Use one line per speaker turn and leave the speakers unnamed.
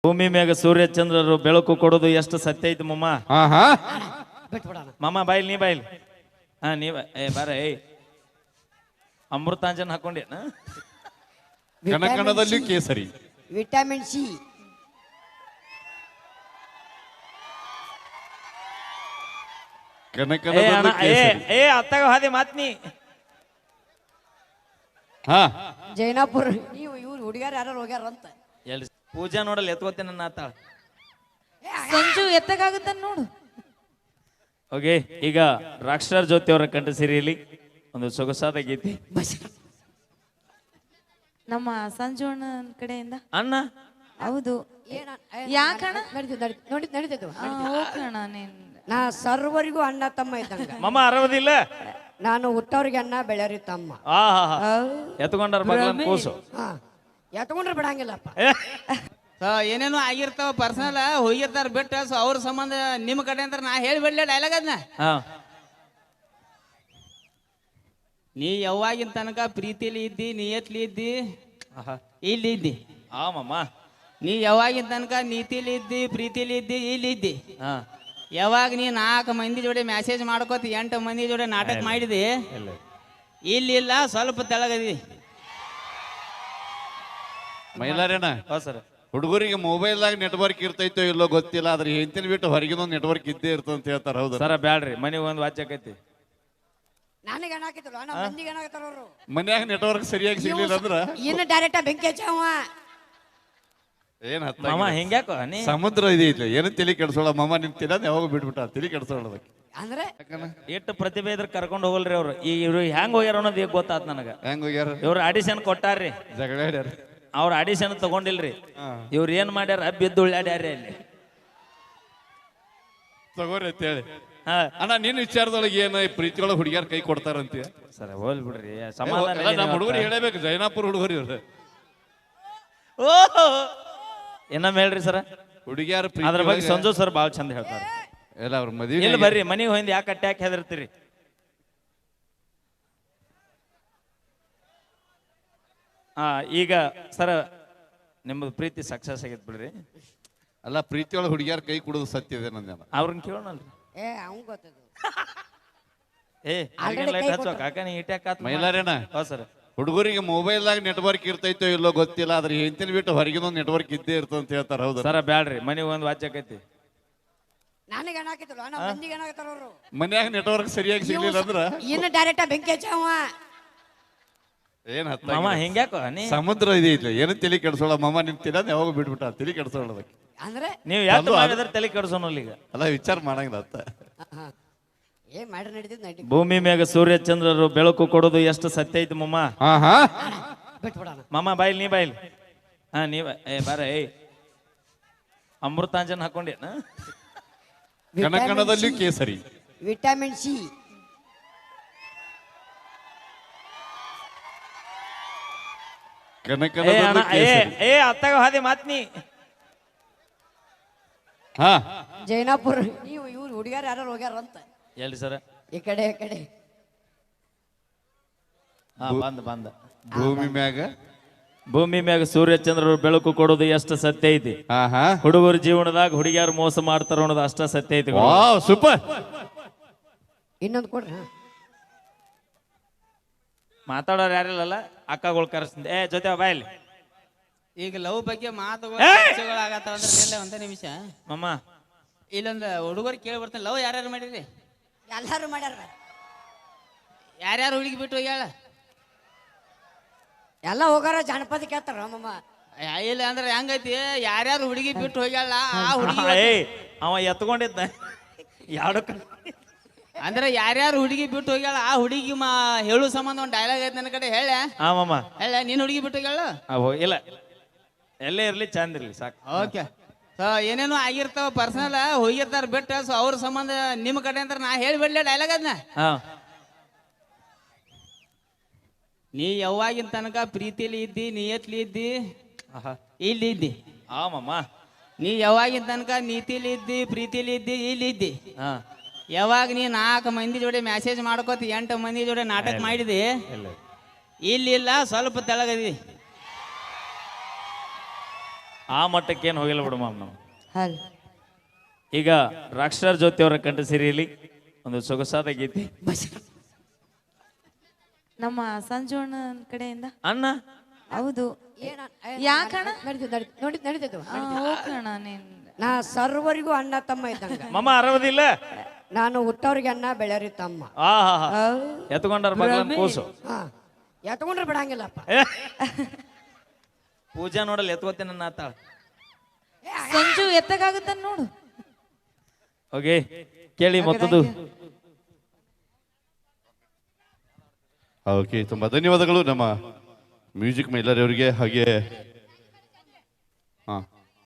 ಭೂಮಿ ಮ್ಯಾಗ ಸೂರ್ಯ ಚಂದ್ರರು ಬೆಳಕು ಕೊಡೋದು ಎಷ್ಟು ಸತ್ಯ ಐತಿ ಮಮ್ಮ. ಮಮ್ಮ ಬಾಯಿಲ್ ನೀ ಬಾಯಿಲ್. ಹಾ ನೀವ ಬಾರ ಅಮೃತಾಂಜನ್ ಹಾಕೊಂಡೇನ.
ಕಣಕಣದಲ್ಲಿ ಕೇಸರಿ,
ವಿಟಮಿನ್ ಸಿ,
ಅತ್ತಾಗ ಹಾದಿ ಮಾತ್ನಿ.
ಜೈನಾಪುರ ನೀವು ಇವ್ರು ಹುಡುಗ್ಯಾರ ಯಾರು ಹೋಗ್ಯಾರ ಅಂತ
ಎಲ್ಲಿ ಪೂಜಾ ನೋಡಲ್ಲ ಎತ್ಕೋತೇನೆ ನನ್ನ ಆತಾಳ.
ಸಂಜು ಎತ್ತಗಾಗುತ್ತ ನೋಡು.
ಓಕೆ, ಈಗ ರಾಕ್ಷರ್ ಜ್ಯೋತಿ ಅವರ ಕಂಠ ಸಿರಿಯಲ್ಲಿ ಒಂದು ಸೊಗಸಾದ ಗೀತೆ
ನಮ್ಮ ಸಂಜು ಅಣ್ಣ ಕಡೆಯಿಂದ.
ಅಣ್ಣ
ಹೌದು, ಯಾಕಣ್ಣ ಹೋಗಣ ನೀನ್.
ನಾ ಸರ್ವರಿಗೂ ಅಣ್ಣ ತಮ್ಮ ಇದ್ದಂಗ.
ಮಮ್ಮ ಅರವದಿಲ್ಲ,
ನಾನು ಹುಟ್ಟವ್ರಿಗೆ ಅಣ್ಣ ಬೆಳೆಯರಿ ತಮ್ಮ.
ಎತ್ಕೊಂಡಾರ ಮಗಳನ್ನ ಕೂಸು.
ಎತ್ಕೊಂಡ್ರೆ ಬಿಡಂಗಿಲ್ಲಪ್ಪ.
ಏನೇನು ಆಗಿರ್ತಾವ ಪರ್ಸನಲ್ ಹೋಗಿರ್ತಾರ ಬಿಟ್ಟ ಸೊ ಅವ್ರ ಸಂಬಂಧ ನಿಮ್ ಕಡೆ ಅಂತ ನಾ ಹೇಳಿಬಿಡ್ಲಿ ಡೈಲಾಗ್ ಅದನ್ನ. ನೀ ಯಾವಾಗಿನ ತನಕ ಪ್ರೀತಿಲಿ ಇದ್ದಿ, ನಿಯತ್ಲಿ ಇದ್ದಿ, ಇಲ್ಲಿ ಇದ್ದಿ.
ಮಮ್ಮ
ನೀ ಯಾವಾಗಿನ ತನಕ ನೀತಿಲಿ ಇದ್ದಿ, ಪ್ರೀತಿಲಿ ಇದ್ದಿ, ಇಲ್ಲಿ ಇದ್ದಿ. ಯಾವಾಗ ನೀ 4 ಮಂದಿ ಜೋಡಿ ಮೆಸೇಜ್ ಮಾಡ್ಕೋತಿ 8 ಮಂದಿ ಜೋಡಿ ನಾಟಕ ಮಾಡಿದಿ, ಇಲ್ಲಿ ಇಲ್ಲ ಸ್ವಲ್ಪ ತೆಳಗದಿ.
ಮೈಲಾರೇನ
ಸರ್,
ಹುಡುಗರಿಗೆ ಮೊಬೈಲ್ದಾಗ ನೆಟ್ವರ್ಕ್ ಇರ್ತೈತೋ ಇಲ್ಲೋ ಗೊತ್ತಿಲ್ಲ, ಆದ್ರೆ ಹೆಂತಿನ ಬಿಟ್ಟು ಹೊರಗಿನ ನೆಟ್ವರ್ಕ್ ಇದ್ದೇ ಇರ್ತದ ಅಂತ ಹೇಳ್ತಾರ. ಹೌದು
ಸರ, ಬ್ಯಾಡ್ರಿ ಮನೆಗೆ ಒಂದು ವಾಚ್ ಆಕೈತಿ.
ನನಗೆ ಏನಾಕಿದ್ರು ಮಂದಿಗೆ ಏನಾಗತ್ತಾರ ಅವರು
ಮನ್ಯಾಗ ನೆಟ್ವರ್ಕ್ ಸರಿಯಾಗಿ ಸಿಗ್ಲಿಲ್ಲ ಅಂದ್ರ
ಇನ್ನು ಡೈರೆಕ್ಟ್ ಬೆಂಕಿ ಹಚ್ಚವ.
ಏನ್
ಮಾಮ ಹಿಂಗ್ಯಾಕೋ ನೀ
ಸಮುದ್ರ ಇದೈತಿ, ಏನು ತಲೆ ಕೆಡ್ಸೋಳ ಮಾಮ. ನಿಮ್ ತಿನ್ನ ಯಾವಾಗ ಬಿಟ್ಬಿಟ್ಟ ತಲೆ ಕೆಡ್ಸೋಳದಕ್ಕೆ.
ಅಂದ್ರೆ
ಎಷ್ಟು ಪ್ರತಿಭೆ ಇದ್ರ ಕರ್ಕೊಂಡು ಹೋಗಲ್ರಿ ಅವ್ರು. ಇವ್ರು ಹೆಂಗ್ ಹೋಗ್ಯಾರ ಅನ್ನೋದು ಈಗ ಗೊತ್ತಾತ್ ನನಗ.
ಹೆಂಗ್ ಹೋಗ್ಯಾರ?
ಇವ್ರು ಆಡಿಷನ್ ಕೊಟ್ಟಾರ್ರಿ,
ಜಗಳ ಆಡ್ಯಾರ.
ಅವ್ರ ಆಡಿಷನ್ ತಗೊಂಡಿಲ್ರಿ. ಇವ್ರು ಏನ್ ಮಾಡ್ಯಾರ, ಬಿದ್ದು ಉಳ್ಳಾಡ್ಯಾರ ಅಲ್ಲಿ.
ತಗೋರಿ ಅಂತ ಹೇಳಿ ಅಣ್ಣ, ನಿನ್ ವಿಚಾರದೊಳಗೆ ಏನ ಪ್ರೀತಿಯೊಳಗೆ ಹುಡುಗಿಯಾರ ಕೈ ಕೊಡ್ತಾರಂತ.
ಸರ್ ಹೋಲ್ ಬಿಡ್ರಿ, ಸಮಾಧಾನ.
ನಮ್ಮ ಹುಡುಗರು ಹೇಳಬೇಕು, ಜೈನಾಪುರ ಹುಡುಗರು ಇವ್ರು.
ಇನ್ನೊಮ್ಮೆ ಹೇಳ್ರಿ ಸರ.
ಹುಡುಗಿಯಾರ
ಅದ್ರ ಬಗ್ಗೆ ಸಂಜು ಸರ್ ಬಾಳ್ ಚಂದ ಹೇಳ್ತಾರೆ.
ಎಲ್ಲ ಅವ್ರ ಮದುವೆ
ಇಲ್ಲಿ ಬರ್ರಿ, ಮನಿಗೆ ಹೋಗಿ ಯಾಕೆ ಅಟ್ಯಾಕ್ ಹೆದರ್ತೀರಿ. ಈಗ ಸರ ನಿಮ್ಮದು ಪ್ರೀತಿ ಸಕ್ಸಸ್ ಆಗೈತ್ ಬಿಡ್ರಿ.
ಅಲ್ಲ, ಪ್ರೀತಿಯೊಳಗೆ ಹುಡುಗಿಯಾರ ಕೈ ಕೊಡೋದು ಸತ್ಯ ಇದೆ ನಂದೇನ.
ಅವ್ರನ್ನ ಕೇಳೋಣಲ್ರಿ.
ಅವ್ನ್ ಗೊತ್ತದು.
ಲೈಟ್ ಹಚ್ಚೋ ಕಾಕ, ನೀ ಇಟ್ಯಾಕ್
ಮೈಲಾರೇನ
ಸರ್.
ಹುಡುಗರಿಗೆ ಮೊಬೈಲ್ದಾಗ ನೆಟ್ವರ್ಕ್ ಇರ್ತೈತೋ ಇಲ್ಲೋ ಗೊತ್ತಿಲ್ಲ, ಆದ್ರೆ ಹೆಂತಿನ ಬಿಟ್ಟು ಹೊರಗಿನ ನೆಟ್ವರ್ಕ್ ಇದ್ದೇ ಇರ್ತದ ಅಂತ ಹೇಳ್ತಾರ. ಹೌದು
ಸರ, ಬ್ಯಾಡ್ರಿ ಮನೆಗೆ ಒಂದು ವಾಚ್ ಆಕೈತಿ.
ನನಗೆ ಏನಾಕಿದ್ರು ಮಂದಿಗೆ ಏನಾಗತ್ತಾರ ಅವರು
ಮನ್ಯಾಗ ನೆಟ್ವರ್ಕ್ ಸರಿಯಾಗಿ ಸಿಗ್ಲಿಲ್ಲ ಅಂದ್ರ
ಇನ್ನು ಡೈರೆಕ್ಟ್ ಬೆಂಕಿ ಹಚ್ಚವ.
ಏನ್
ಮಾಮ ಹಿಂಗ್ಯಾಕೋ ನೀ.
ಸಮುದ್ರ ಇದೈತಿ, ಏನು ತಲೆ ಕೆಡ್ಸೋಳ ಮಾಮ. ನಿಮ್ ತಿನ್ನ ಯಾವಾಗ ಬಿಟ್ಬಿಟ್ಟ ತಲೆ ಕೆಡ್ಸೋಳದಕ್ಕೆ.
ಅಂದ್ರೆ
ನೀವು ಯಾಕೆ ಮಾಡಿದ್ರೆ ತಲೆ ಕೆಡ್ಸೋನಲ್ಲ ಈಗ.
ಅಲ್ಲ, ವಿಚಾರ ಮಾಡಂಗಿಲ್ಲ ಅತ್ತ.
ಏನ್ ಮಾಡ್ರಿ ನಡೀತಿದ್ ನಡಿ.
ಭೂಮಿ ಮ್ಯಾಗ ಸೂರ್ಯ ಚಂದ್ರರು ಬೆಳಕು ಕೊಡೋದು ಎಷ್ಟು ಸತ್ಯ ಐತಿ ಮಮ್ಮ.
ಬಿಟ್ಬಿಡಣ.
ಮಮ್ಮ ಬಾಯಿಲ್ ನೀ ಬಾಯಿಲ್. ನೀವ ಬಾರ ಅಮೃತಾಂಜನ್ ಹಾಕೊಂಡೇನ.
ಕಣಕಣದಲ್ಲಿ ಕೇಸರಿ,
ವಿಟಮಿನ್ ಸಿ,
ಕಣಕಣದಲ್ಲಿ ಕೇಸರಿ.
ಅತ್ತಾಗ ಹಾದಿ ಮಾತ್ನಿ.
ಜೈನಾಪುರ ನೀವು ಇವ್ರು ಹುಡುಗ್ಯಾರ ಯಾರು ಹೋಗ್ಯಾರ ಅಂತ.
ಎಲ್ಲಿ ಸರ?
ಈ ಕಡೆ
ಬಂದ.
ಭೂಮಿ
ಮ್ಯಾಗ ಸೂರ್ಯ ಚಂದ್ರರು ಬೆಳಕು ಕೊಡೋದು ಎಷ್ಟು ಸತ್ಯ ಐತಿ. ಹುಡುಗರ ಜೀವನದಾಗ ಹುಡುಗಿಯಾರು ಮೋಸ ಮಾಡ್ತಾರ ಅನ್ನೋದು ಅಷ್ಟ ಸತ್ಯ ಐತಿ.
ಸೂಪರ್.
ಇನ್ನೊಂದು ಕೊಡ್ರಿ.
ಮಾತಾಡೋರು ಯಾರಿಲ್ಲಲ್ಲ, ಅಕ್ಕಗಳು ಕರೆಸ್ತೀನಿ. ಜೊತೆ ಬಾಯಲ್ಲಿ.
ಈಗ ಲವ್ ಬಗ್ಗೆ ಮಾತುಗಳಾಗತ್ತಾವ ಅಂದ್ರೆ ಒಂದೇ ನಿಮಿಷ
ಮಮ್ಮ,
ಇಲ್ಲೊಂದು ಹುಡುಗರು ಕೇಳಿ ಬರ್ತಾನೆ. ಲವ್ ಯಾರ್ಯಾರು ಮಾಡಿರಿ?
ಎಲ್ಲಾರು ಮಾಡ್ಯಾರ.
ಯಾರ್ಯಾರು ಹುಡುಗಿ ಬಿಟ್ಟು ಹೋಗ್ಯಾಳ?
ಎಲ್ಲ ಹೋಗಾರ ಜಾನಪದ ಕೇಳ್ತಾರ ಮಮ್ಮ.
ಇಲ್ಲ ಅಂದ್ರೆ ಹೆಂಗೈತಿ, ಯಾರ್ಯಾರು ಹುಡುಗಿ ಬಿಟ್ಟು ಹೋಗ್ಯಾಳ ಆ ಹುಡುಗಿ
ಅವ ಎತ್ಕೊಂಡಿದ್ದ ಯಾಡಕ್ಕ.
ಅಂದ್ರೆ ಯಾರ್ಯಾರು ಹುಡುಗಿ ಬಿಟ್ಟು ಹೋಗ್ಯಾಳ ಆ ಹುಡುಗಿ ಹೇಳು ಸಂಬಂಧ ಒಂದು ಡೈಲಾಗ್ ಐತೆ ನನ್ನ ಕಡೆ. ಹೇಳ
ಮಮ್ಮ,
ಹೇಳ ನೀನ್ ಹುಡುಗಿ ಬಿಟ್ಟು ಹೋಗ್ಯಾಳ?
ಇಲ್ಲ, ಎಲ್ಲೇ ಇರ್ಲಿ ಚಂದ ಇರ್ಲಿ ಸಾಕು.
ಓಕೆ, ಸೊ ಏನೇನು ಆಗಿರ್ತಾವ ಪರ್ಸನಲ್ ಹೋಗಿರ್ತಾರ ಬಿಟ್ಟ ಸೊ ಅವ್ರ ಸಂಬಂಧ ನಿಮ್ ಕಡೆ ಅಂತ ನಾ ಹೇಳಿಬಿಡ್ಲಿ ಡೈಲಾಗ್ ಅದನ್ನ. ನೀ ಯಾವಾಗಿನ ತನಕ ಪ್ರೀತಿಲಿ ಇದ್ದಿ, ನಿಯತ್ಲಿ ಇದ್ದಿ, ಇಲ್ಲಿ ಇದ್ದಿ.
ಮಮ್ಮ
ನೀ ಯಾವಾಗಿನ ತನಕ ನೀತಿಲಿ ಇದ್ದಿ, ಪ್ರೀತಿಲಿ ಇದ್ದಿ, ಇಲ್ಲಿ ಇದ್ದಿ. ಯಾವಾಗ ನೀ 4 ಮಂದಿ ಜೋಡಿ ಮೆಸೇಜ್ ಮಾಡ್ಕೋತಿ 8 ಮಂದಿ ಜೋಡಿ ನಾಟಕ ಮಾಡಿದಿ, ಇಲ್ಲಿ ಇಲ್ಲ ಸ್ವಲ್ಪ ತೆಳಗದಿ.
ಆ ಮಟ್ಟಕ್ಕೇನು ಹೋಗಿಲ್ಲ ಬಿಡು ಮಾಮ್ ನಾವು.
ಹಲ್
ಈಗ ರಾಕ್ಷರ್ ಜ್ಯೋತಿ ಅವರ ಕಂಠ ಸಿರಿಯಲ್ಲಿ ಒಂದು ಸೊಗಸಾದ ಗೀತೆ.
ನಮ್ಮ ಸಂಜೋಣ ಕಡೆಯಿಂದ
ಅಣ್ಣ
ಹೌದು. ಯಾಕಣ
ನಡೀತೈತು
ಹೋಗೋಣ ನೀನ್
ನಾ ಸರ್ವರಿಗೂ ಅಣ್ಣ ತಮ್ಮ ಇದ್ದಂಗ.
ಮಮ್ಮ ಅರವದಿಲ್ಲ.
ನಾನು ಹುಟ್ಟವ್ರಿಗೆ ಅಣ್ಣ ಬೆಳೆಯರಿ ತಮ್ಮ.
ಆ ಹಾ ಹಾ ಎತ್ಕೊಂಡಾರ ಮಗಳನ್ನ ಕೂಸು.
ಹಾ ಎತ್ಕೊಂಡ್ರೆ ಬಿಡಂಗಿಲ್ಲಪ್ಪ.
ಪೂಜಾ ನೋಡಲ್ಲ ಎತ್ಕೋತೇನೆ ನನ್ನ ಆತಾಳ.
ಸಂಜು ಎತ್ತಕ್ಕಾಗುತ್ತ ನೋಡು.
ಓಕೆ ಕೇಳಿ ಮತ್ತದು.
ಓಕೆ, ತುಂಬಾ ಧನ್ಯವಾದಗಳು ನಮ್ಮ ಮ್ಯೂಸಿಕ್ ಮೈಲರಿ ಅವರಿಗೆ. ಹಾಗೆ ಹಾ